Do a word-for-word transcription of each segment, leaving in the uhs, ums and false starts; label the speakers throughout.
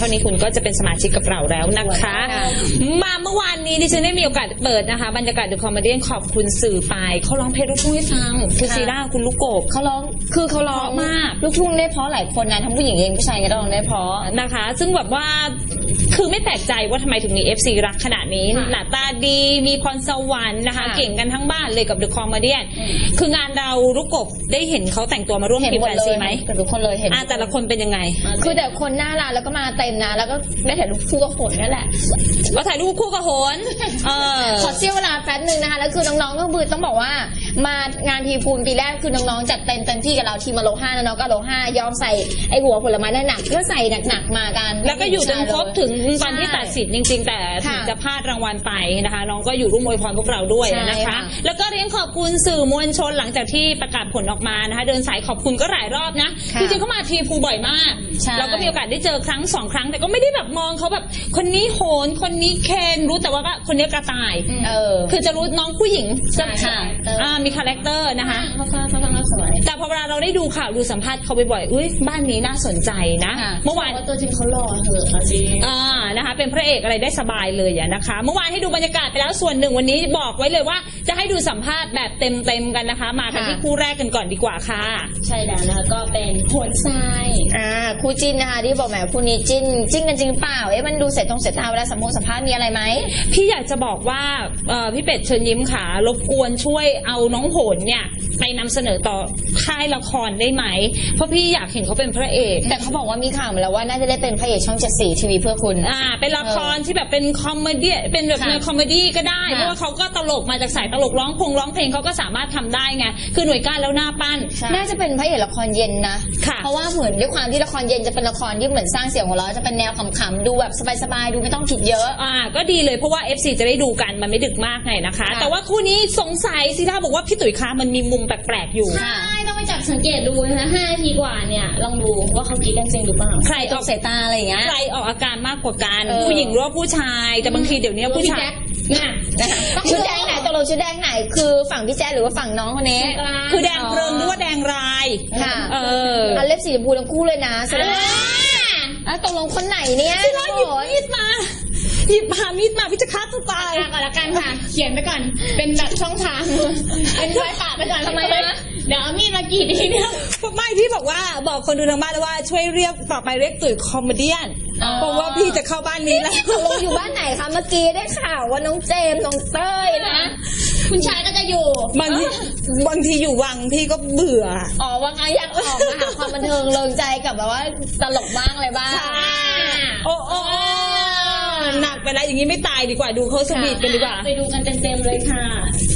Speaker 1: ท่านี้คุณก็จะเป็นสมาชิกกับเราแล้วนะคะมาเมื่อวานนี้ดิฉันได้มีโอกาสเปิดนะคะบรรยากาศเดอะคอมเมดี้ขอบคุณสื่อไปเขาร้องเพลงลูกทุ่งให้ฟังคุณซีร่าคุณลูกโกบ
Speaker 2: เขาร้องคือเขาร้องมากลูกทุ่งได้เพราะหลายคนนะทั้งผู้หญิงเองผู้ชายก็ร้องได้เพราะ
Speaker 1: นะคะซึ่งแบบว่าคือไม่แปลกใจว่าทำไมถึงมี เอฟ ซี รักขนาดนี้หน้าตาดีมีพรสวรรค์นะคะเก่งกันทั้งบ้านเลยกับเดอะคอมเมดี้คืองานเราลูกกบได้เห็นเขาแต่งตัวมาร่วมทีมแฟนซีไหม
Speaker 2: กับทุกคนเลยเห็น
Speaker 1: แต่ละคนเป็นยังไง
Speaker 2: คือแต่คนหน้าร้านแล้วก็มาเต็มนะแล้วก็ได้ถ่ายรูปคู่กับโหนนั่นแหละ
Speaker 1: ว่าถ่ายรูปคู่กับโหน
Speaker 2: ขอเสี้ยวเวลาแป๊บนึงนะคะแล้วคือน้องๆก็คือต้องบอกว่ามางานทีพูนปีแรกคือน้องๆจัดเต็มเต็มที่กับเราทีมมาโลห้าน้องก็โลห้ายอมใส่ไอหัวผลไม้หนักก็ใส่หนักๆมากัน
Speaker 1: แล้วก็อยู่จนครบถึงตอนที่ตัดสินจริงๆแต่ถึงจะพลาดรางวัลไปนะคะน้องก็อยู่ร่วมอวยพรพวกเราด้วยนะคะแล้วก็เรียนขอบคุณสื่อมวลชนหลังจากที่ประกาศผลออกมานะคะเดินสายขอบคุณก็หลายรอบนะจริงๆเขามาทีพูบ่อยมากเราก็มีโอกาสได้เจอครั้งสองครั้งแต่ก็ไม่ได้แบบมองเขาแบบคนนี้โหนคนนี้เคนรู้แต่ว่าคนนี้กระต่ายคือจะรู้น้องผู้หญิงจะมีคาแรคเตอร์นะคะแต่พอเวลาเราได้ดูข่าวดูสัมภาษณ์เขาบ่อยๆอุ้ยบ้านนี้น่าสนใจนะเมื่อวาน
Speaker 2: ตัวจริงเขาหล่อเหอะจริง
Speaker 1: อ่านะคะเป็นพระเอกอะไรได้สบายเลยอะนะคะเมื่อวานให้ดูบรรยากาศไปแล้วส่วนหนึ่งวันนี้บอกไว้เลยว่าจะให้ดูสัมภาษณ์แบบเต็มๆกันนะคะมากันที่คู่แรกกันก่อนดีกว่าค่ะ
Speaker 2: ใช่แล้วนะคะก็เป็นโหนทรายอ่าคู่จิ้นนะคะที่บอกแหมคู่นี้จิ้นจิ้นกันจริงเปล่าเอ๊ะมันดูเสร็จตรงเสร็จตาเวลาสัมภาษณ์สัมภาษณ์มีอะไรไหม
Speaker 1: พี่อยากจะบอกว่าพี่เป็ดเชิญยิ้มค่ะรบกวนช่วยเอาน้องโหนเนี่ยไปนำเสนอต่อค่ายละครได้ไหมเพราะพี่อยากเห็นเขาเป็นพระเอก
Speaker 2: แต่เขาบอกว่ามีข่าวมาแล้วว่าน่าจะได้เป็นพระเอกช่องเจ็ดสีทีวีเพื่อคุณ
Speaker 1: อ่าเป็นละครที่แบบเป็นคอมเมดี้เป็นแบบในคอมเมดี้ก็ได้เพราะว่าเขาก็ตลกมาจากสายตลกร้องพงร้องเพลงเขาก็สามารถทำได้ไงคือหน่วยก้านแล้วหน้าปั้น
Speaker 2: น่าจะเป็นพระเอกละครเย็นนะเพราะว่าเหมือนด้วยความที่ละครเย็นจะเป็นละครที่เหมือนสร้างเสียงหัวเราะจะเป็นแนวขำๆดูแบบสบายๆดูไม่ต้องคิดเยอะ
Speaker 1: อ่าก็ดีเลยเพราะว่า เอฟ ซี จะได้ดูกันมันไม่ดึกมากไงนะคะแต่ว่าคู่นี้สงสัยซีท่าบอกว่าพี่ตุ๋ยคะมันมีมุมแปลกๆอยู่
Speaker 2: ใช่ต้องไปจับสังเกตดูนะคะห้านาทีกว่าเนี่ยลองดูว่าเขาคิดกันจริงหรือเปล่า
Speaker 1: ใครออก
Speaker 2: สายตาอะไรอย่างเงี้ย
Speaker 1: ใครออกอาการมากกว่ากันผู้หญิงหรือว่าผู้ชายแต่บางทีเดี๋ยวนี้ผู้ชาย
Speaker 2: น่ะชุดแดงไหนตกลงชุดแดงไหนคือฝั่งพี่แจ๊หรือว่าฝั่งน้องคนนี้
Speaker 1: คือแดงเพลินหรือว่าแดงราย
Speaker 2: ค่ะเอออันเล็บสีชมพูทั้งคู่เลยนะแสดงว่าตกลงคนไหนเนี่ย
Speaker 1: พี่ร้อยหยิบมีดมาหยิบมามีดมาพี่จะฆ่าตัวตาย
Speaker 2: ก่อนละกันค่ะเขียนไปก่อนเป็นแบบช่องทางเป็นรอยปะไปก่อนทำไมนะเดี๋ยวมีดมากี่ทีเนี่ย
Speaker 1: ไม่พี่บอกว่าบอกคนดูทางบ้านแล้วว่าช่วยเรียกต่อไปเรียกตุ๋ยคอมเมดี้เพราะว่าพี่จะเข้าบ้านนี้แล้ว
Speaker 2: ตกลงอยู่บ้านไหนคะเมื่อกี้ได้ข่าวว่าน้องเจมส์น้องเต้ยนะคุณชายก็จะอยู่
Speaker 1: บางทีบางทีอยู่วังพี่ก็เบื่อ
Speaker 2: อ๋อวังอยากออกมาหาความบันเทิงเริงใจกับแบบว่าตลกบ้างอะไรบ้าง
Speaker 1: โอ้โอ้หนักไปแล้วอย่างนี้ไม่ตายดีกว่าดูเขาสวีทกันดีกว่า
Speaker 2: ไปดูกันเต็มๆเลยค่ะ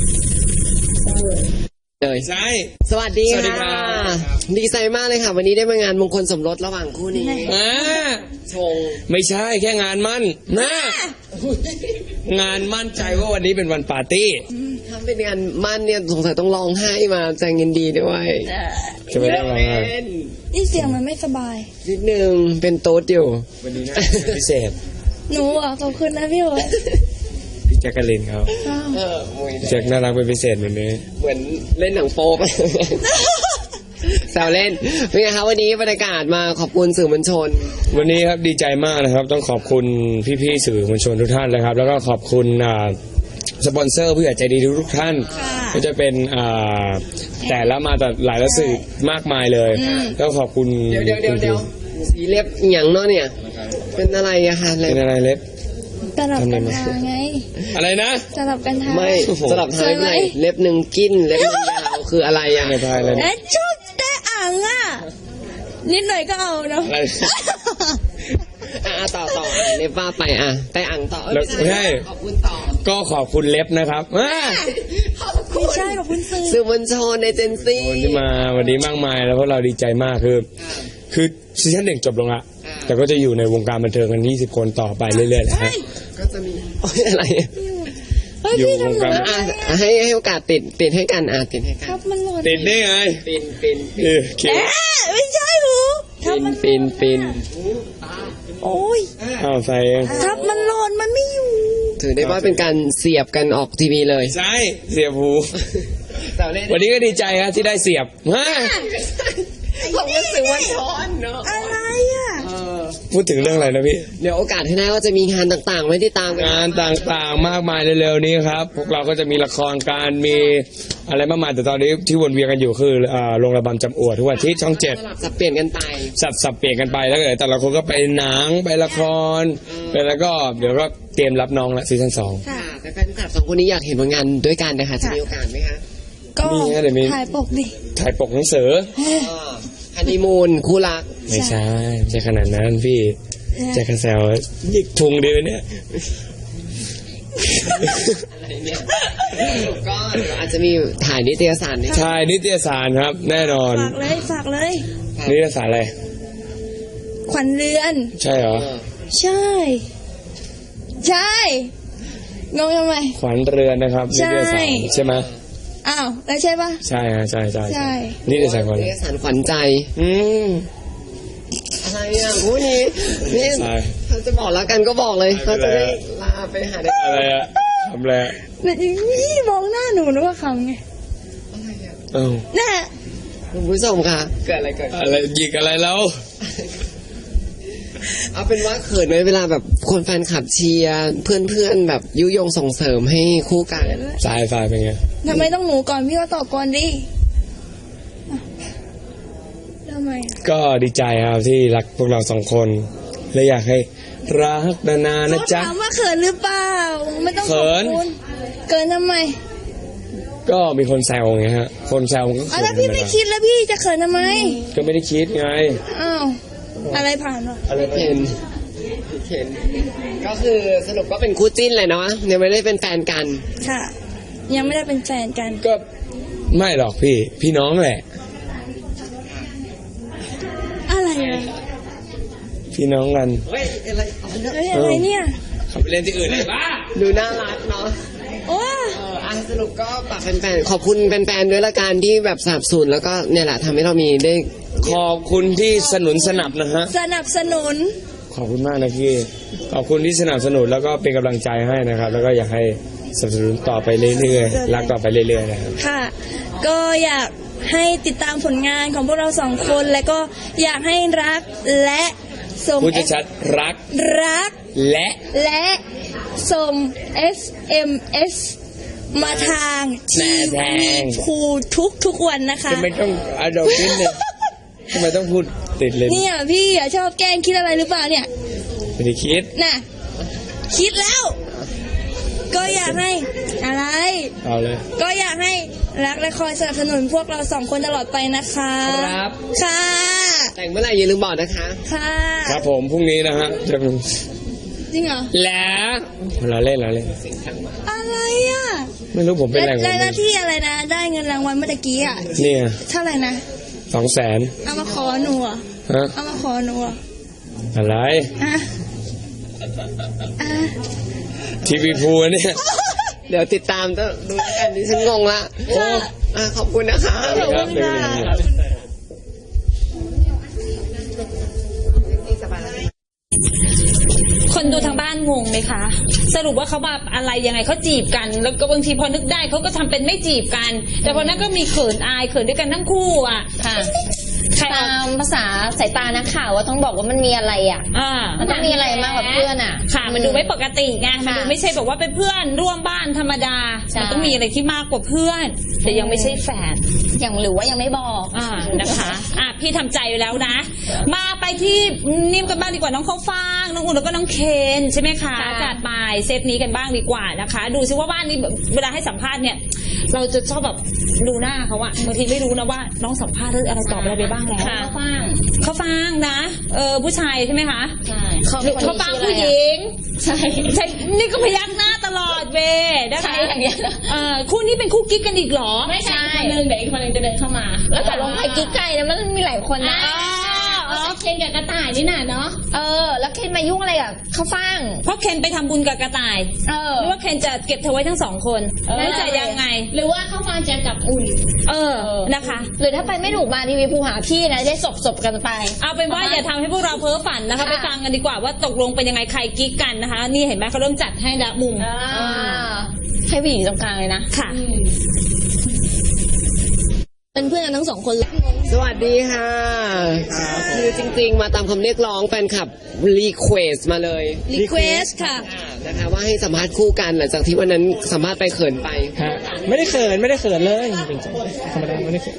Speaker 3: เลยใช่สวัสดีค่ะดีใจมากเลยค่ะวันนี้ได้มางานมงคลสมรสระหว่างคู่นี้
Speaker 4: อ่า
Speaker 3: ชง
Speaker 4: ไม่ใช่แค่งานมั่นนะงานมั่นใจว่าวันนี้เป็นวันปาร์ตี้
Speaker 3: ถ้าเป็นงานมั่นเนี่ยสงสัยต้องร้องไห้มาแจงยินดีด้วย
Speaker 4: จะไม่ได้ร้องไห้
Speaker 5: นี่เสียงมันไม่สบาย
Speaker 3: นิดนึงเป็นโต๊ดอยู่
Speaker 4: วันนี้นะพิเศษ
Speaker 5: หนูอ่ะขอบคุณนะพี่โอ๊ต
Speaker 4: พี่แจ็คกะลินเขาแจ็คน่ารักเป็นพิเศษเหมือนนี้
Speaker 3: เหมือนเล่นหนังโป๊ไปแซวเล่นเป็นไงคะวันนี้บรรยากาศมาขอบคุณสื่อมวลชน
Speaker 4: วันนี้ครับดีใจมากนะครับต้องขอบคุณพี่ๆสื่อมวลชนทุกท่านเลยครับแล้วก็ขอบคุณสปอนเซอร์ผู้ใหญ่ใจดีทุกท่านก็จะเป็นแต่ละมาแต่หลายละสื่อมากมายเลยแล้วขอบคุณ
Speaker 3: เดี๋ยวเดี๋ยวเดี๋ยวสีเล็บอย่างเนาะเนี่ยเป็นอะไรอะคะ
Speaker 4: เป็นอะไรเล็บ
Speaker 5: สลับกันทาไง
Speaker 4: อะไรนะ
Speaker 5: สลับกันทา
Speaker 3: ไม่สลับทาไหนเล็บหนึ่งกิ้นเล็บหนึ่งยาวคืออะไรอะ
Speaker 4: ไม่ทายเลย
Speaker 5: เอ๊ะชอบได้อ่างอ่ะนิดหน่อยก็เอาเนาะ
Speaker 3: อ่ะต่อต่อเล็บว่าไปอ่ะแต่อ่างต่อ
Speaker 4: ใช่ขอบคุณต่อก็ขอบคุณเล็บนะครับ
Speaker 5: ไม่ใช่ขอบคุณสื่อ
Speaker 3: สื่อมวลชนในเจนซี่
Speaker 4: ที่มาวันนี้มากมายแล้วพวกเราดีใจมากคือคือซีซั่นหนึ่งจบลงละแต่ก็จะอยู่ในวงการบันเทิงกันยี่สิบคนต่อไปเรื่อยๆแหละฮะ
Speaker 3: ก็จะมีอะไรอยู่วงการให้ให้โอกาสติดติดให้กันอ่ะติดให้กัน
Speaker 4: ติดได้ไง
Speaker 3: ปินปิน
Speaker 4: เออ
Speaker 5: ไม่ใช่หรอ
Speaker 3: ปินปินปิน
Speaker 5: โอ้ย
Speaker 4: อ้าวใส่เอง
Speaker 5: ทับมันหล่นมันไม่อยู่
Speaker 3: ถือได้ว่าเป็นการเสียบกันออกทีวีเลย
Speaker 4: ใช่เสียบหูวันนี้ก็ดีใจครับที่ได้เสียบฮะ
Speaker 3: ผมก็สื่อมวลชนเนาะ
Speaker 5: อะไรอ่ะ
Speaker 4: พูดถึงเรื่องอะไรนะพี่
Speaker 3: เดี๋ยวโอกาสที่หน้าก็จะมีงานต่างๆไว้ติดตามกัน
Speaker 4: งานต่างๆมากมายเร็วๆนี้ครับ พวกเราก็จะมีละครการมีอะไรมากมายแต่ตอนนี้ที่วนเวียนกันอยู่คืออ่าโรงระบำจำอวดทุกวันที่ช่องเจ็ด
Speaker 3: สับเปลี่ยนกันไป
Speaker 4: สับสับเปลี่ยนกันไปแล้วก็เดี๋ยวแต่ละคนก็ไปหนังไปละครไปแล้วก็เดี๋ยวก็เตรียมรับน้องละซีซั่นสอง
Speaker 3: ค่ะแต่แฟนคลับสองคนนี้อยากเห็นผลงานด้วยกันนะคะจะมีโอกาสไหมคะ
Speaker 5: ก็
Speaker 4: มีฮะเดี๋ยวมี
Speaker 5: ถ่ายปกดิ
Speaker 4: ถ่ายปกหนังสือ
Speaker 3: ฮันนีมูนคู่รัก
Speaker 4: ไม่ใช่ไม่ใช่ขนาดนั้นพี่แจ็คแซวยิกทุงดีเนี่ย
Speaker 3: อะไรเนี่ยก็เดี๋ยวอาจจะมีถ่ายนิตยสารด้วย
Speaker 4: ใช่นิตยสารครับ แน่นอน
Speaker 5: ฝากเลยฝากเลย
Speaker 4: นิตยสารอะไร
Speaker 5: ขวัญเรือน
Speaker 4: ใช่เหรอ
Speaker 5: ใช่ ใช่งงทำไม
Speaker 4: ขวัญเรือนนะครับนิ
Speaker 5: ใช่
Speaker 4: ตยสารใช่ไหม
Speaker 5: อ้าวแล้วใช่ปะ
Speaker 4: ใช่ฮะใช่ใช่
Speaker 5: ใช่
Speaker 4: นิตยสารขวัญ
Speaker 3: นิตยสารขวัญใจ
Speaker 4: อืม
Speaker 3: อะไรอ่ะคู่นี้นี่
Speaker 4: ใช่
Speaker 3: เขาจะบอกแล้วกันก็บอกเลยเขาจะได้ลาไปหาได้
Speaker 4: อะไรอะทำอะไรอะ
Speaker 5: นี่มองหน้าหนูนึกว่าคำไง
Speaker 3: อะไรอ่ะ
Speaker 4: เอ้า
Speaker 5: แน่
Speaker 3: คุณผู้ชมค่ะเกิดอะไรเกิด
Speaker 4: อะไรหยิกอะไรแล้ว
Speaker 3: เอาเป็นว่าเขินไหมเวลาแบบคนแฟนคลับเชียร์เพื่อนๆแบบยุยงส่งเสริมให้คู่กัน
Speaker 4: สายไฟเป็นไง
Speaker 5: ทำไมต้องหนูก่อนพี่ก็ตอบก่อนดิอ่ะทำไมอ่ะ
Speaker 4: ก็ดีใจครับที่รักพวกเราสองคนและอยากให้รักนานๆนะ
Speaker 5: เขา
Speaker 4: จ๊ะ
Speaker 5: ถามว่าเขินหรือเปล่า ไม่ต้องข
Speaker 4: เขิ
Speaker 5: อบ
Speaker 4: น
Speaker 5: คุณเกินทำไม
Speaker 4: ก็มีคนแซวไงฮะ คนแซวมันก็
Speaker 5: อ่ะ
Speaker 4: เขิน
Speaker 5: ถ้าพี่ไม่คิดแล้วพี่จะเขินทำไม
Speaker 4: ก็ไม่ได้คิดไง
Speaker 5: อ้าวอะไรผ่านวะ
Speaker 4: อะไร
Speaker 3: เห็นเห็นก็คือสรุปก็เป็นคู่จิ้นเลยเนาะยังไม่ได้เป็นแฟนกัน
Speaker 5: ค่ะ ยังไม่ได้เป็นแฟนกัน
Speaker 4: ก็ไม่หรอกพี่ พี่น้องแหละ
Speaker 5: อะไรอะ
Speaker 4: พี่น้องกัน
Speaker 3: เฮ้ยอะไรอ๋อ
Speaker 5: เฮ้ยอะไรเนี่ย
Speaker 4: เขาไปเล่นที่อื่นเลยบ้า
Speaker 3: ดูน่ารักเนาะ
Speaker 5: โอ้
Speaker 3: เอออ่ะสรุปก็ฝากแฟนๆขอบคุณแฟนๆด้วยละกันที่แบบสนับสนุนแล้วก็เนี่ยแหละทำให้เรามีได้
Speaker 4: ขอบคุณที่สนุนสนับนะฮะ
Speaker 5: สนับสนุน
Speaker 4: ขอบคุณมากนะพี่ ขอบคุณที่สนับสนุนแล้วก็เป็นกำลังใจให้นะครับ แล้วก็อยากให้สนับสนุนต่อไปเรื่อยๆ รักต่อไปเรื่อยๆนะครับ
Speaker 5: ค่ะ ก็อยากให้ติดตามผลงานของพวกเราสองคนและก็อยากให้รักและส่ง
Speaker 4: พูดชัดๆรัก
Speaker 5: รัก
Speaker 4: และ
Speaker 5: และส่ง เอส เอ็ม เอส มาทางทีวีพูทุกทุกๆวันนะคะ
Speaker 4: ทำไมต้องอาดอกนิดเนี่ยทำไมต้องพูดติดเลย
Speaker 5: เนี่ยพี่อ่ะชอบแกล้งคิดอะไรหรือเปล่าเนี่ย
Speaker 4: ไม่ได้คิด
Speaker 5: น่ะ คิดแล้ว ก็อยากให้อะไร
Speaker 4: เอาเลย
Speaker 5: ก็อยากให้รักและคอยสนับสนุนพวกเราสองคนตลอดไปนะคะ
Speaker 4: ครับ
Speaker 5: ค่ะ
Speaker 3: แต่งเมื่อไหร่อย่าลืมบอกนะคะ
Speaker 5: ค่ะ
Speaker 4: ครับผมพรุ่งนี้นะฮะจะ
Speaker 5: จริงเหรอ
Speaker 4: แล้วเราเล่นเราเล่น
Speaker 5: อะไรอ่ะ
Speaker 4: ไม่รู้ผมเป็นอะไรของ
Speaker 5: และห
Speaker 4: มั
Speaker 5: น้าน ที่อะไรนะ ได้เงินรางวัลเมื่อตะกี้อ่ะ
Speaker 4: เนี่ย
Speaker 5: เท่าไหร่นะ
Speaker 4: สองแสน
Speaker 5: เอามาขอหนูอ่ะ
Speaker 4: ฮะ
Speaker 5: เอามาขอหนูอ่ะ
Speaker 4: อะไร
Speaker 5: อ่ะอ่ะ
Speaker 4: ทีวีพูเนี่ย
Speaker 3: เดี๋ยวติดตามจะดูกันดิฉันงงละโอ้อ่ะขอบคุณนะคะ
Speaker 5: ขอบคุณค่ะ
Speaker 1: คนดูทางบ้านงงไหมคะ สรุปว่าเขาแบบอะไรยังไงเขาจีบกัน แล้วก็บางทีพอนึกได้เขาก็ทำเป็นไม่จีบกัน แต่พอนั้นก็มีเขินอายเขินด้วยกันทั้งคู่อ่ะ
Speaker 2: ค่ะ
Speaker 1: ใคร
Speaker 2: ตามภาษาสายตานักข่าวว่าต้องบอกว่ามันมีอะไรอ่ะ
Speaker 1: อ่า
Speaker 2: มันต้องมีอะไรมากกว่าเพื่อนอ่ะ
Speaker 1: ค่ะ มันดูไม่ปกติไงมันดู
Speaker 2: ค่ะ
Speaker 1: ไม่ใช่แบบว่าเป็นเพื่อนร่วมบ้านธรรมดา
Speaker 2: ใช่
Speaker 1: มันต้องมีอะไรที่มากกว่าเพื่อน แต่ยังไม่ใช่แฟน
Speaker 2: อย่างหรือว่ายังไม่บอก
Speaker 1: อ่านะคะ อ่ะพี่ทำใจไว้แล้วนะ มาไปที่นิ่มกันบ้างดีกว่าน้องข้าวฟ่างน้องอุ่นแล้วก็น้องเคนใช่ไหมคะ
Speaker 2: ค่ะ
Speaker 1: จัดไปเซตนี้กันบ้างดีกว่านะคะ ดูซิว่าบ้านนี้แบบเวลาให้สัมภาษณ์เนี่ย เราจะชอบแบบดูหน้าเขาอะบางทีไม่รู้นะว่าน้องสัมภาษณ์เรื่องอะไรตอบอะไรไปบ้างแล้ว
Speaker 2: ค่ะฟัง
Speaker 1: ข้าวฟ่างนะเออผู้ชายใช่ไหมคะ
Speaker 2: ใช่
Speaker 1: ข้าวฟ่างผู้ห
Speaker 2: ง
Speaker 1: ญิง
Speaker 2: ใช่
Speaker 1: ใช่นี่ก็พยักหน้าตลอดเวนะคะ
Speaker 2: ใช่อย่างเงี้ย
Speaker 1: เออคู่นี้เป็นคู่กิ๊กกันอีกเหรอ
Speaker 2: ไม่ใช่คนนึงเดี๋ยวอีกคนนึงจะเดินเข้ามา แล้วตกลงใครกิ๊กไก่เนี่ยมันมีหลายคนนะ
Speaker 1: อ๋อ
Speaker 2: เคนกับกระต่ายนี่น่ะเนาะเออ แล้วเคนมายุ่งอะไรกับข้าวฟ่าง
Speaker 1: เพราะเคนไปทำบุญกับกระต่าย
Speaker 2: เออ
Speaker 1: หรือว่าเคนจะเก็บเธอไว้ทั้งสองคน
Speaker 2: เออ
Speaker 1: แล้วจะยังไง
Speaker 2: หรือว่าข้าวฟ่างจะกับอุ่น
Speaker 1: เออนะคะ
Speaker 2: หรือถ้าไปไม่ถูกมาทีวีภูหาพี่นะได้สบสบกันไป
Speaker 1: เอาเป็นว่าอย่าทำให้พวกเราเพ้อฝันนะคะ
Speaker 2: ค่ะ
Speaker 1: ไปฟังกันดีกว่าว่าตกลงเป็นยังไงใครกิ๊กกันนะคะ นี่เห็นไหมเขาเริ่มจัดให้ละมุม
Speaker 2: อ่าให้ผู้หญิงตรงกลางเลยนะ
Speaker 1: ค่ะ
Speaker 5: เป็นเพื่อนกันทั้งสองคนเลย
Speaker 3: สวัสดีค่ะคือจริงๆ มาตามคำเรียกร้องแฟนคลับรีเควสมาเลย
Speaker 5: รีเควสค่ะ
Speaker 3: นะคะว่าให้สัมภาษณ์คู่กันหลังจากที่วันนั้นสัมภาษณ์ไปเขินไป
Speaker 6: ฮะไม่ได้เขินไม่ได้เขินเลยจริงๆธรรมดาไม่ได้เขิน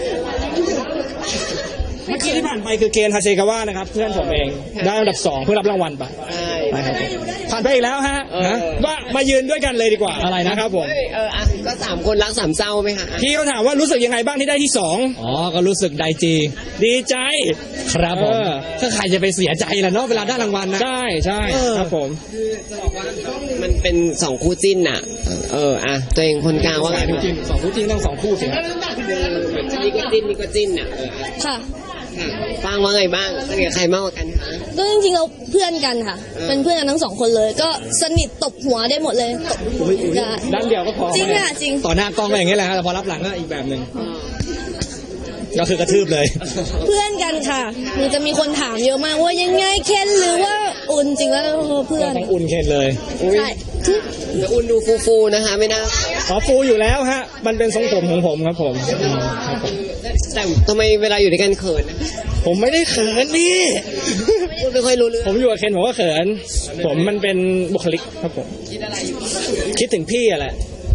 Speaker 6: เมื่อกี้ที่ผ่านไปคือเกณฑ์ฮาเซกาวะนะครับ เพื่อนผมเองได้อันดับสองเพื่อรับรางวัลไป
Speaker 3: ใช่
Speaker 6: ไปครับผมผ่านไปอีกแล้วฮะ
Speaker 3: เออ
Speaker 6: ฮะว่ามายืนด้วยกันเลยดีกว่าอะไรนะครับผม
Speaker 3: เอ้ยเอออ่ะก็สามคนรักสามเศร้าไหมคะ
Speaker 6: พี่เขาถามว่ารู้สึกยังไงบ้างที่ได้ที่สอง
Speaker 7: อ๋อ ก็รู้สึกไดจี
Speaker 6: ดีใจ
Speaker 7: ครับผม
Speaker 6: เออ
Speaker 7: ถ้าใครจะไปเสียใจล่ะเนาะเวลาได้รางวัลนะ
Speaker 6: ใช่ใช่
Speaker 7: เออ
Speaker 6: ครับผม
Speaker 3: มันเป็นสองคู่จิ้นอ่ะ เอออ่ะตัวเองคนกลางว่าไง
Speaker 6: จริงๆสองคู่จริงต้องสองคู่สิครับ
Speaker 3: นี่ก็จิ้นนี่ก็จิ้นอ่ะเออ
Speaker 5: ค่ะ
Speaker 3: ค่ะฟังว่าไงบ้างสนิทกับใครมากกว่ากันคะ
Speaker 5: ก็จริงๆเราเพื่อนกันค่ะ เป็นเพื่อนกันทั้งสองคนเลย ก็สนิทตบหัวได้หมดเลยตบได้
Speaker 6: ด้านเดียวก็พอ
Speaker 5: จริงค่ะจริง
Speaker 7: ต่อหน้ากล้องก็อย่างนี้แหละฮะแต่พอรับหลังก็อีกแบบหนึ่งก็คือกระทืบเลย
Speaker 5: เพื่อนกันค่ะมันจะมีคนถามเยอะมากว่ายังไงเคนหรือว่าอุ่นจริงแล้วเพื่อน
Speaker 6: ทั้งอุ่นเคนเลย
Speaker 5: ใช่คือ
Speaker 3: แต่อุ่นดูฟูๆนะคะ ไม่น่า
Speaker 6: ขอฟูอยู่แล้วฮะมันเป็นทรงผมของผมครับผมอืมครับผม
Speaker 3: แต่ทำไมเวลาอยู่ด้วยกันเขินอะ
Speaker 6: ผมไม่ได้เขินพี่
Speaker 3: พูดไม่ค่อยรู้เรื่อง
Speaker 6: ผมอยู่กับเคนผมก็เขิน ผมมันเป็นบุคลิกครับผม
Speaker 3: คิดอะไรอยู่
Speaker 6: คิดถึงพี่อะแหละ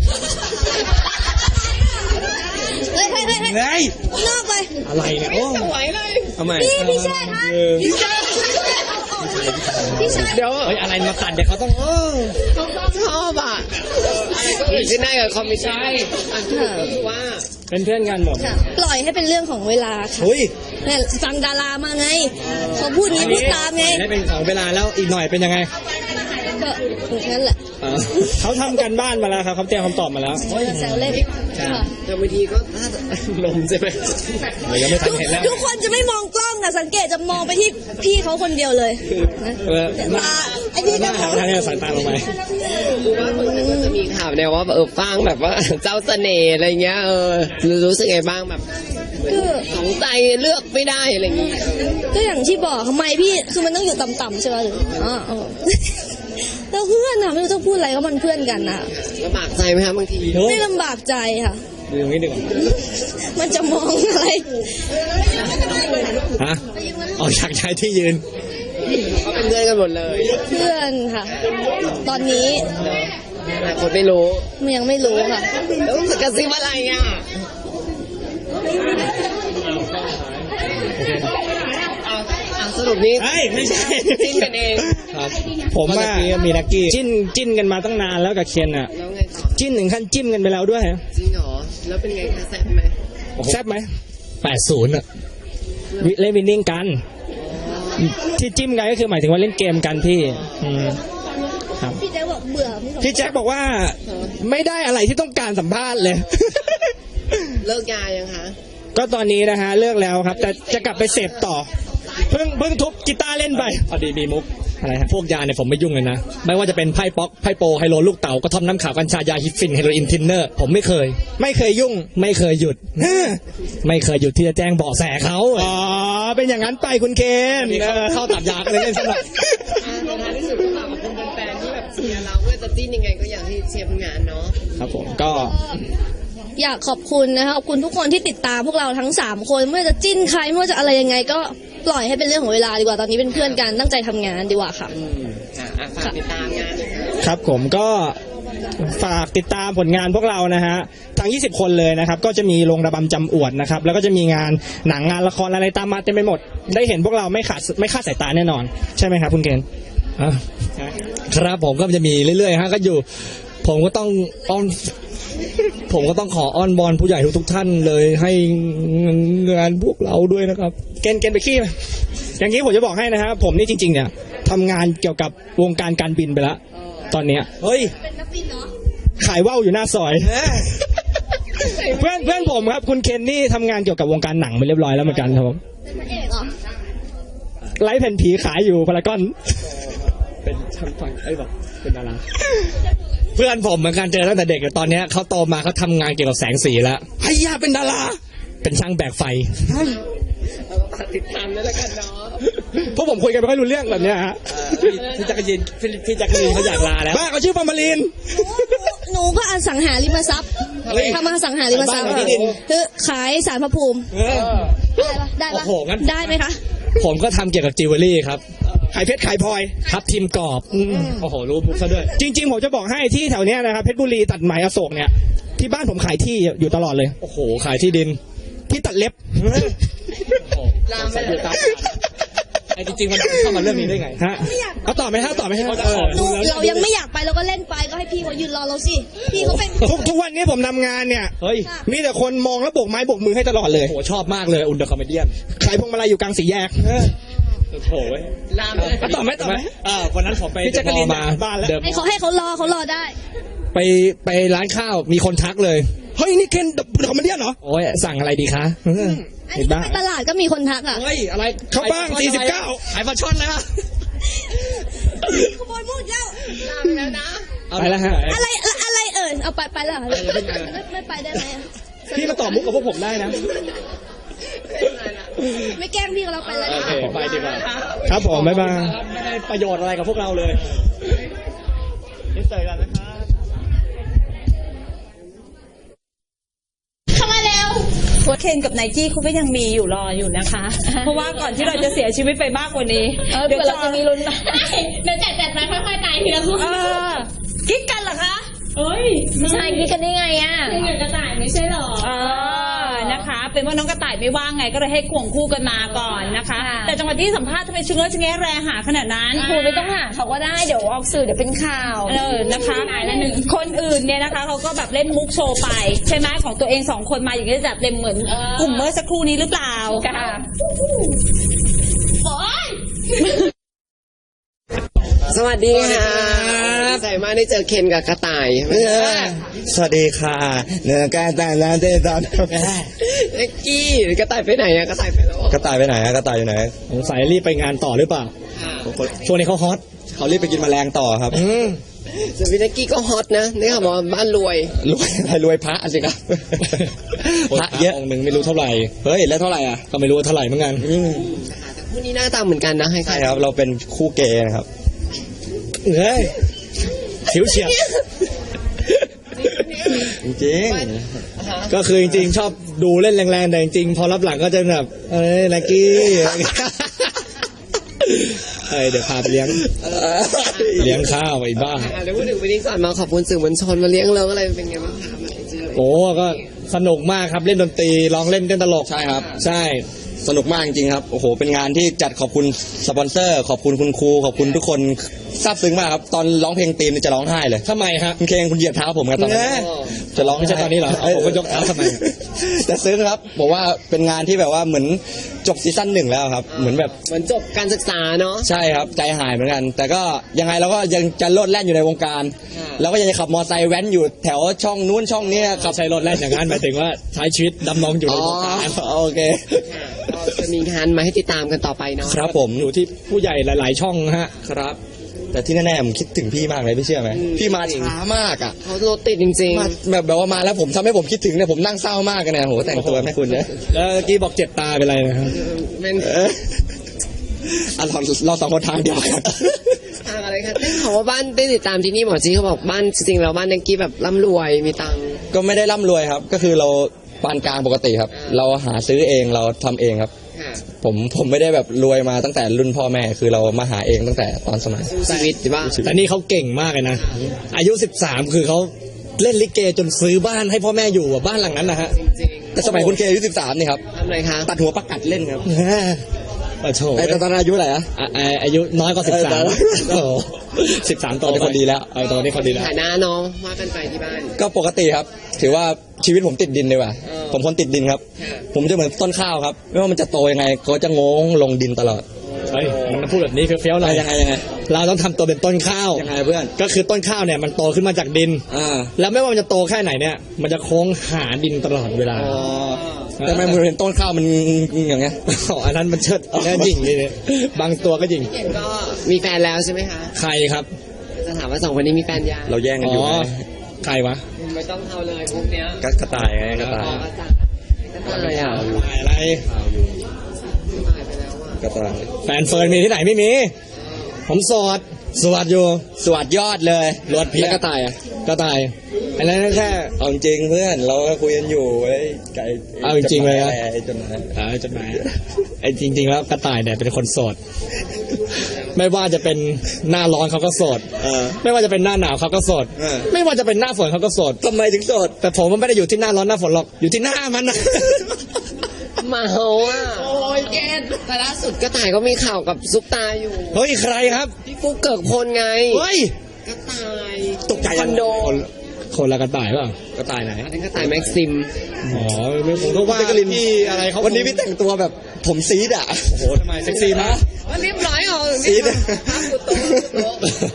Speaker 5: เฮ้ยเฮ้ยเฮ้ยเฮ้ย
Speaker 7: เฮ้ย
Speaker 5: นอกไป
Speaker 6: อะไรเนี่ยโอ้
Speaker 3: ไหวเลย
Speaker 7: ทำไม
Speaker 5: พี่พี่ชายคะ
Speaker 6: เออ
Speaker 5: พี่ชายพี่ชาย
Speaker 6: เดี๋ยว
Speaker 7: เฮ้ยอะไรมาตัดเดี๋ยวเขาต้องเออ
Speaker 3: ชอบอ่ะอะไรก็เกิดขึ้นได้กับคอมมิชชั่นอันที่ก็คือว่า
Speaker 6: เป็นเพื่อนกันหมด
Speaker 5: ค่ะปล่อยให้เป็นเรื่องของเวลาค่ะ
Speaker 7: เฮ้ย
Speaker 5: เนี่ยฟังดารามาไงเขาพูดงี้พูดตามไง
Speaker 7: ได้เป็นของเวลาแล้วอีกหน่อยเป็นยังไง
Speaker 5: ก็งั้นแหละ
Speaker 7: เออ
Speaker 6: เขาทำกันบ้านมาแล้วครับเขาเตรียมคำตอบมาแล้ว
Speaker 5: แซวเล่นค่ะ
Speaker 3: แต่บางทีก็น่าจะลมใช่ไหม
Speaker 7: เดี๋ยวยังไม่ทันเห็นแล้ว
Speaker 5: ทุกคนจะไม่มองกล้องอะสังเกตจะมองไปที่พี่เขาคนเดียวเลยนะ
Speaker 6: เออ
Speaker 5: ตาไอ้นี่
Speaker 6: ห
Speaker 5: ก็
Speaker 6: น้าม หา
Speaker 5: อง
Speaker 6: ทางนี้สายตาลงไป
Speaker 3: คือว่าคนนั้นก็จะมีข่าวแนวว่าเออฟังแบบว่าเจ้าเสน่ห์อะไรเงี้ยเออรู้สึกไงบ้างแบบสองใจเลือกไม่ได้อะไรอย่างงี้
Speaker 5: ก็อย่างที่บอกทำไมพี่คือมันต้องอยู่ต่ำๆใช่ไหมหรืออ๋ออ๋อแล้วเพื่อนอะไม่รู้จะพูดอะไรก็มันเพื่อนกันอะ
Speaker 3: ลำบากใจไหมคะบางที
Speaker 5: ไม่ลำบากใจค่ะ
Speaker 6: ดูตรงนี้ดีกว่า
Speaker 5: มันจะมองอะไร
Speaker 7: ฮะออกจากชายที่ยืน
Speaker 3: ก็เป็นเพื่อนกันหมดเลย
Speaker 5: เพื่อนค่ะ ตอนนี้
Speaker 3: แต่คนไม่รู้
Speaker 5: มันยังไม่รู้ค่ะ
Speaker 3: แล้วกระซิบอะไรอ่ะเอาเอาสรุปนี้
Speaker 6: เฮ้ยไม่ใช่
Speaker 3: จิ้นกันเอง
Speaker 7: ครับ
Speaker 6: ผม
Speaker 7: เมื่
Speaker 6: ว่า
Speaker 7: อกี้มีนักกี้
Speaker 6: จิ้นจิ้นกันมาตั้งนานแล้วกับเคนอะ
Speaker 3: แล้วไงต่อ
Speaker 6: จิ้นถึงขั้นจิ้มกันไปแล้วด้วย
Speaker 3: จริงเหรอแล้วเป็นไงคะแซ่บไหม
Speaker 6: แซ่บไหม
Speaker 7: แปดศูนย์อ่ะ
Speaker 6: วิเล่นวินนิ่งกัน ที่จิ้มกันก็คือหมายถึงว่าเล่นเกมกันพี่อืมครับ
Speaker 5: พี่แจ๊คบอกเบื่อพี่สอง
Speaker 6: พี่แจ็คบอกว่าไม่ได้อะไรที่ต้องการสัมภาษณ์เลย
Speaker 3: เลิกยายังคะ
Speaker 6: ก็ตอนนี้นะฮะเลิกแล้วครับ แต่จะกลับไปเสพต่อ เพิ่งเพิ่งทุบกีตาร์เล่นไป
Speaker 7: พอดีมีมุก
Speaker 6: อะไรฮะ
Speaker 7: พวกยาเนี่ยผมไม่ยุ่งเลยนะ ไม่ว่าจะเป็นไพ่ป๊อกไพ่โปไฮโลลูกเต๋ากระท่อมน้ำขาวกัญชายาฮิปฟินเฮโรอีนทินเนอร์ผมไม่เคย
Speaker 6: ไม่เคยยุ่ง
Speaker 7: ไม่เคยหยุด ไม่เคยหยุดที่จะแจ้งเบาะแสเขา
Speaker 6: อ๋อ เป็นอย่างนั้นไปคุณเคน
Speaker 7: นี่เขาเข้าตัดยากันเลยเล่นสนุก
Speaker 3: อ่าในท้ายที่สุดก็ฝากขอบคุณแฟนๆที่แบบเชียร์เราเพื่อจะจิ้นยังไงก็อยากให้เชียร์ผลงานเนาะ
Speaker 6: ครับผมก็
Speaker 5: อยากขอบคุณนะคะขอบคุณทุกคนที่ติดตามพวกเราทั้งสามคนไม่ว่าจะจิ้นใครไม่ว่าจะอะไรยังไงก็ปล่อยให้เป็นเรื่องของเวลาดีกว่าตอนนี้เป็นเพื่อนกันตั้งใจทำงานดีกว่าค่ะ
Speaker 3: อืมอ่ะอ่ะฝากติดตามงานหน่อยค่ะ
Speaker 6: ครับผมก็ฝากติดตามผลงานพวกเรานะฮะทั้งยี่สิบคนเลยนะครับ ก็จะมีโรงระบำจำอวดนะครับ แล้วก็จะมีงานหนังงานละครอะไรตามมาเต็มไปหมด ได้เห็นพวกเราไม่ขาดไม่คลาดสายตาแน่นอน ใช่ไหมครับคุณเกณฑ์
Speaker 7: อ่ะครับผมก็จะมีเรื่อยๆฮะก็อยู่ ผมก็ต้องอ้อนผมก็ต้องขออ้อนบอลผู้ใหญ่ทุกๆท่านเลยให้งานพวกเราด้วยนะครับ
Speaker 6: เกณฑ์เกณฑ์ไปขี้ไหมอย่างนี้ผมจะบอกให้นะครับผมนี่จริงๆเนี่ยทำงานเกี่ยวกับวงการการบินไปแล้วตอนเนี้ย
Speaker 7: เฮ้ย
Speaker 6: ขายว่าวอยู่หน้าซอย เพื่อนเพื่อนผมครับคุณเคนนี่ทำงานเกี่ยวกับวงการหนังไปเรียบร้อยแล้วเหมือนกันครับผมไลฟ์แผ่นผีขายอยู่พารากอน
Speaker 7: เป็นช่างฟังไอ้บอกเป็นดาราเพื่อนผมเหมือนกันเจอตั้งแต่เด็กแต่ตอนเนี้ยเขาโตมาเขาทำงานเกี่ยวกับแสงสีแล้วไอ้ยาเป็นดารา เป็นช่างแบกไฟ
Speaker 3: ฝากติดตามด้วยละกันเนาะ
Speaker 6: พวกผมคุยกันไม่ค่อยรู้เรื่องแบบเนี้ยฮะ
Speaker 7: พี่จักรยินพี่จักรยินเขาอยากลาแล้ว
Speaker 6: บ้าเขาชื่อฟอร์มาลีน
Speaker 5: หนูก็อสังหาริมทรัพย์
Speaker 6: เฮ้ย
Speaker 5: ทำอสังหาริมทรัพย์
Speaker 6: ขายบ้านขายที่ดิน
Speaker 5: คือขายสารพระภูมิ
Speaker 6: เออ
Speaker 5: ได้ปะได้ปะ
Speaker 7: โอ้โหงั้น
Speaker 5: ได้ไหมคะ
Speaker 7: ผมก็ทำเกี่ยวกับจิวเวลรี่ครับ
Speaker 6: ขายเพชรขายพลอย
Speaker 7: ทับทิมกรอบโอ้โหรู้มุกซะด้วย
Speaker 6: จริงๆผมจะบอกให้ที่แถวเนี้ยนะครับเพชรบุรีตัดไหมอโศกเนี่ยที่บ้านผมขายที่อยู่ตลอดเลย
Speaker 7: โอ้โหขายที่ดิน
Speaker 6: ที่ตัดเล็บ
Speaker 3: ลามไปเลย
Speaker 7: ไอ้จริงๆมันเข้ามาเรื่องนี้ได้ไง
Speaker 6: ฮะเอาต่อไหมฮะต่อไหมฮะ
Speaker 7: เขาจะ
Speaker 6: เอ
Speaker 7: ข
Speaker 6: อ
Speaker 7: อ
Speaker 5: หนูเรายังไม่อยากไปเราก็เล่นไปก็ให้พี่เขายืนรอเราสิ พี่เขาเป็น
Speaker 6: ทุกทุกวันนี้ผมทำงานเนี่ย
Speaker 7: เฮ้ย
Speaker 6: มีแต่คนมองแล้วโบกไม้โบกมือให้ตลอดเลย
Speaker 7: โอ้โหชอบมากเลยอุนเดอร์คอมเมเดี้
Speaker 6: ขายพวงมาลัยอยู่กลางสี่แยก
Speaker 7: โอ้โหเว้ย
Speaker 3: ลามไปเลย
Speaker 6: เอาต่อไหมต่อไหม
Speaker 7: อ่าวันนั้นผมไป
Speaker 6: พี่แจ๊กกะลีน
Speaker 7: มา
Speaker 6: บ้านแล้ว
Speaker 7: เดิม
Speaker 5: ให้เขาให้เขารอเขารอได้
Speaker 7: ไปไปร้านข้าวมีคนทักเลย
Speaker 6: เฮ้ยนี่เคนคอมเมดี้เหรอ
Speaker 7: โอ้ยสั่งอะไรดีคะ
Speaker 5: อันนี้ก็ไปตลาดก็มีคนทักอ่ะ
Speaker 7: เฮ้ยอะไร
Speaker 6: เข้าบ้าง
Speaker 7: ขย
Speaker 6: สี่สิบเก้า
Speaker 7: ขายปลาช่อนเลยป่ะ
Speaker 5: ขโมยมูดแล้ว
Speaker 3: ลามแล้วนะ
Speaker 6: ไปแล้วฮะ
Speaker 5: อะไรอะไรเอ่ยเอาไปไปแล้วเหรอไม่ไม่ไปได้ไหมอะ
Speaker 6: พี่มาต่อมุกกับพวกผมได้นะ
Speaker 5: ไม่แกล้งพี่ก็เราไปแล้ว
Speaker 7: โอเคไปดีกว่า
Speaker 6: ครับผมบ๊ายบาย
Speaker 7: ไม่ได้ประโยชน์อะไรกับพวกเราเลยนี่เจอกันนะครับ
Speaker 5: เข้ามาแล้ว
Speaker 1: เคนกับไนกี้เขาก็ยังมีอยู่รออยู่นะคะ เพราะว่าก่อนที่เราจะเสียชีวิตไปมากกว่านี้
Speaker 2: เออเผื่อเราจะมีลุ้นนะเดี๋ยวจัดจัดไปค่อยๆตายทีละคน
Speaker 1: เออกิ๊กกันเหรอคะเอ้ย
Speaker 2: ใช่คิดกันได้ไงอ่ะ
Speaker 1: กระต่ายไม่ใช่หรอเออนะคะ เป็นว่าน้องกระต่ายไม่ว่างไงก็เลยให้ควงคู่กันมาก่อนนะคะ แต่จังหวะที่สัมภาษณ์ทำไมชึงเอ้ยชึงแง่แรหาขนาดนั้น
Speaker 2: คุณไม่ต้องหาเขาก็ได้เดี๋ยวออกสื่อเดี๋ยวเป็นข่าว
Speaker 1: เออนะคะคนอื่นเนี่ยนะคะเขาก็แบบเล่นมุกโชว์ไปใช่ไหมของตัวเองสองคนมาอย่างนี้จะจัดเต็มเหมือนกลุ่มเมื่อสักครู่นี้หรือเปล่า
Speaker 2: ค่ะ
Speaker 3: สวัสดีค่ะดีใจมากได้เจอเคนกับกระต่าย
Speaker 7: สวัสดีค่ะเนื้อการแต่งงานเดตอน
Speaker 3: เล็กกี้กระต่ายไปไหนอะกระต่ายไปแล้ว
Speaker 7: กระต่ายไปไหนอะกระต่ายอยู่ไหนสงสัยรีบไปงานต่อหรือเปล่าช่วงนี้เขาฮอตเขารีบไปกินแมลงต่อครับ
Speaker 3: ส่วนพี่เล็กกี้ก็ฮอตนะนี่ค่ะบอกว่าบ้านรวย
Speaker 7: รวยอะไรรวยพระสิครับพระเยอะองค์หนึ่งไม่รู้เท่าไหร่เฮ้ยแล้วเท่าไหร่อ่ะก็ไม่รู้ว่าเท่าไหร่เหมือนกัน
Speaker 3: แต่คู่นี้หน้าตาเหมือนกันนะให้ใคร
Speaker 7: ใช่ครับเราเป็นคู่เกย์นะครับเฮ้ยผิวเฉียบจริงๆก็คือจริงๆชอบดูเล่นแรงๆแต่จริงๆพอรับหลังก็จะแบบเอ้ยลักกี้เฮ้ยเดี๋ยวพาไปเลี้ยงเลี้ยงข้าวไอ้บ้า
Speaker 3: เดี๋ยวพูดถึงวันนี้ก่อนมาขอบคุณสื่อมวลชนมาเลี้ยงเลิงอะไรเป็นไงบ้างคะมาเจอ
Speaker 7: โอ้ก็สนุกมากครับเล่นดนตรีร้องเล่นเต้นตลกใช่ครับ ใช่สนุกมากจริงๆครับโอ้โหเป็นงานที่จัดขอบคุณสปอนเซอร์ ขอบคุณคุณครูขอบคุณทุกคนซาบซึ้งมากครับตอนร้องเพลงตีมนี่จะร้องไห้เลยทำไมฮะคุณเคงคุณเหยียบเท้าผมกันตอนนี้จะร้องไม่ใช่ตอนนี้เหรอผมก็ยกเท้าทำไมแต่ซึ้งครับบอกว่าเป็นงานที่แบบว่าเหมือนจบซีซั่นหนึ่งแล้วครับเหมือนแบบ
Speaker 3: เหมือนจบการศึกษาเนาะ
Speaker 7: ใช่ครับใจหายเหมือนกัน แต่ก็ยังไงเราก็ยังจะโลดแล่นอยู่ในวงการเราก็ยังจะขับมอเตอร์ไซค์แว้นอยู่แถวช่องนู้นช่องนี้ขับใช้รถแล่นอย่างนั้นหมายถึงว่าใช้ชีวิตดำรงอยู่ในวงการโอเค
Speaker 3: ก็จะมีงานมาให้ติดตามกันต่อไปเนาะ
Speaker 7: ครับผมอยู่ที่ผู้ใหญ่หลาย ๆ ช่องฮะครับ แต่ที่แน่ๆผมคิดถึงพี่มากเลยพี่เชื่อไหมพี่มาช้ามากอ่ะ
Speaker 3: เขารถติดจริง
Speaker 7: มาแบบแบบว่ามาแล้วผมทำให้ผมคิดถึงเนี่ยผมนั่งเศร้ามากกันเนี่ยโหแต่งตัวแม่คุณเนี่ยแล้วเมื่อกี้บอกเจ็บตาเป็นไรนะครับ
Speaker 3: ๆเป็น
Speaker 7: เอออ่ะเราเราสองคนทางเดียวกัน
Speaker 3: ทางอะไรคะได้ข่าวว่าบ้านได้ติดตามที่นี่หมอจีเขาบอกบ้านจริงๆแล้วบ้านนักกี้แบบร่ำรวยมีตังค์
Speaker 7: ก็ไม่ได้ร่ำรวยครับ ก็คือเราปานกลางปกติครับ เราหาซื้อเองเราทำเองครับ
Speaker 3: ค่ะ
Speaker 7: ผมผมไม่ได้แบบรวยมาตั้งแต่รุ่นพ่อแม่คือเรามาหาเองตั้งแต่ตอนสมัย
Speaker 3: สู้ชีวิตใช่ปะ
Speaker 7: แต่นี่เขาเก่งมากเลยนะ อายุสิบสามคือเขาเล่นลิเกจนซื้อบ้านให้พ่อแม่อยู่อะบ้านหลังนั้นนะฮะ
Speaker 3: จริงๆ
Speaker 7: แต่สมัยคุณเคอายุสิบสามนี่ครับ
Speaker 3: ทำอะไรคะ
Speaker 7: ตัดหัวประกัดเล่นครับไอ้ตอนนั้นอายุเท่าไหร่อะอายุน้อยกว่าสิบสามสิบสามโตเป็นคนดีแล้วเอาตัวนี้คนดีแล้ว
Speaker 3: ฐานะเนาะว่ากันไปที่บ้าน
Speaker 7: ก็ปกติครับ ถือว่าชีวิตผมติดดินเลยว่ะ
Speaker 3: เออ
Speaker 7: ผมคนติดดินครับ
Speaker 3: ค่ะ
Speaker 7: ผมจะเหมือนต้นข้าวครับ ไม่ว่ามันจะโตยังไงก็จะงงลงดินตลอด เฮ้ยมันพูดแบบนี้เฟี้ยวๆเลยยังไงยังไงเราต้องทำตัวเป็นต้นข้าวยังไงเพื่อนก็คือต้นข้าวเนี่ยมันโตขึ้นมาจากดินอ่าแล้วไม่ว่ามันจะโตแค่ไหนเนี่ยมันจะโค้งหาดินตลอดเวลาแต่ไม่เหมือนต้นข้าวมันอย่างเงี้ยอ๋ออันนั้นมันเชิดแน่ยิงเลยเนี่ยบางตัวก็ยิง
Speaker 3: เห็นก็มีแฟนแล้วใช่ไหมคะ
Speaker 7: ใครครับ
Speaker 3: จะถามว่าสองคนนี้มีแฟนยัง
Speaker 7: เราแย่งกันอยู่ใครวะ
Speaker 3: ไม่ต้องเอาเลยพวกเนี้ย
Speaker 7: กระต่ายไงกระต่าย
Speaker 3: อ๋อกระต่ายกระต่ายอ่ะ
Speaker 7: อะไร
Speaker 3: ตายไปแล้วอ่ะ
Speaker 7: กระต่ายแฟนเฟิร์นมีที่ไหนไม่มีผมโสดสวัสดอยู่สวัสดยอดเลยรถเพียกระต่ายอ่ะกระต่ายอันนั้นแค่
Speaker 8: เอาจริงเพื่อนเราก็คุยกันอยู่ไอ้ไก่
Speaker 7: เอาจริงๆเลยนะ
Speaker 8: ไอ้จดหมาย
Speaker 7: อ่าจดหมายไอ้จริง ๆ แล้วกระต่ายเนี่ยเป็นคนโสด ไม่ว่าจะเป็นหน้าร้อนเขาก็โสด
Speaker 8: เออ
Speaker 7: ไม่ว่าจะเป็นหน้าหนาวเขาก็โสด
Speaker 8: เออ
Speaker 7: ไม่ว่าจะเป็นหน้าฝนเขาก็โสด
Speaker 8: ทำไมถึงโสด
Speaker 7: แต่ผมมันไม่ได้อยู่ที่หน้าร้อนหน้าฝนหรอกอยู่ที่หน้ามันนะ
Speaker 3: เมาอ่ะโอ้ยแกแต่ล่าสุดกระต่ายก็มีข่าวกับซุปตาอยู่
Speaker 7: เฮ้ยใครครับ
Speaker 3: พี่ฟุกเกิกพลไง
Speaker 7: เฮ้ย
Speaker 3: กระต่าย
Speaker 8: ตกใจ
Speaker 3: คอนโด
Speaker 7: คนคนละกระต่ายเปล่ากระต่ายไหน
Speaker 3: อันนี้กระต่ายแม็กซิม
Speaker 7: อ๋อไม่ผมก็ว่า
Speaker 8: พี่กลิน
Speaker 7: พี่อะไรเขา
Speaker 8: วันนี้พี่แต่งตัวแบบผมซีดอ่ะ
Speaker 7: โอ้โหทำไมเซ็กซี่มาก
Speaker 3: วันเรียบร้อยเหรอ
Speaker 8: ซีด
Speaker 3: ภาพกูโต๊ะ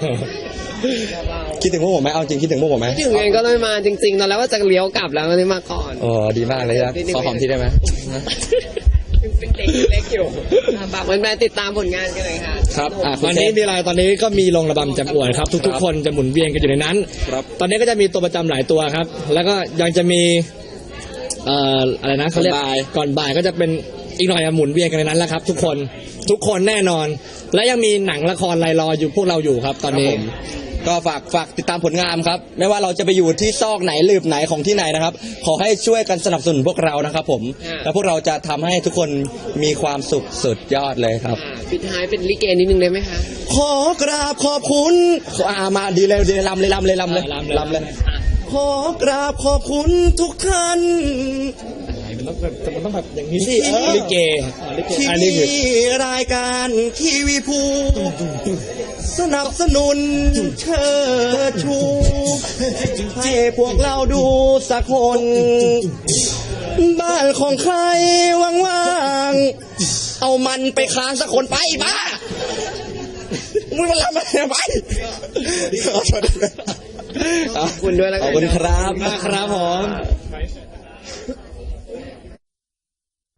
Speaker 8: คิดถึงพวกผมไหมเอาจริงคิดถึงพวกผมไหม
Speaker 3: ถึงไงก็เลยมาจริงๆตอนแรกว่าจะเลี้ยวกลับแล้วก็เลยมาก่อน
Speaker 8: อ๋อดีมากเลยครับขอหอมทีได้ไหม
Speaker 3: เป็นเด็กเล็กอยู่อ่ะฝากแฟนๆติดตามผลงานกันเลยค่ะ
Speaker 7: ครับ
Speaker 8: อ่ะคุณ
Speaker 7: วันนี้
Speaker 8: เซฟ
Speaker 7: มีอะไรตอนนี้ก็มีลงระบำจำอวดครับ ทุกๆ คนจะหมุนเวียนกันอยู่ในนั้น
Speaker 8: ครับ
Speaker 7: ตอนนี้ก็จะมีตัวประจำหลายตัวครับ แล้วก็ยังจะมีเอ่ออะไรนะเขาเรียก
Speaker 8: ก่อนบ่าย
Speaker 7: ก่อนบ่ายก็จะเป็นอีกหน่อยอะหมุนเวียนกันในนั้นแล้วครับ ทุกคนทุกคนแน่นอน และยังมีหนังละครรายรออยู่พวกเราอยู่ครับ ตอนนี้
Speaker 8: ครับผมก็ฝากฝากติดตามผลงานครับ ไม่ว่าเราจะไปอยู่ที่ซอกไหนหลืบไหนของที่ไหนนะครับ ขอให้ช่วยกันสนับสนุนพวกเรานะครับผม
Speaker 3: ค่ะ
Speaker 8: และพวกเราจะทำให้ทุกคนมีความสุขสุดยอดเลยครับ
Speaker 3: อ่ะปิดท้ายเป็นลิเกนิดนึงได้ไหมคะ
Speaker 8: ขอกราบขอบคุณอ่ามาดีเลยดีเลยลำเลยลำเลยลำเลย
Speaker 7: อ่าลำเลย
Speaker 8: ลำเลย ขอกราบขอบคุณทุกท่าน
Speaker 7: มันต้องแบบมันต้องแบบอย่างนี้
Speaker 8: สิ
Speaker 7: สิ
Speaker 8: เออ
Speaker 7: ลิเกอ๋อลิเก
Speaker 8: ที่
Speaker 7: อันนี้
Speaker 8: มี
Speaker 7: คือ
Speaker 8: รายการทีวีภูสนับสนุนเชิดชู ให้พวกเราดูสักคน บ้านของใครว่างๆ เอามันไปค้างสักคนไปบ้ามึงมาทำอะไรไป
Speaker 3: ขอบคุณด้วยแล้ว
Speaker 8: ข
Speaker 3: กั
Speaker 8: อบ
Speaker 3: น
Speaker 8: คุณครับ
Speaker 7: ครับผม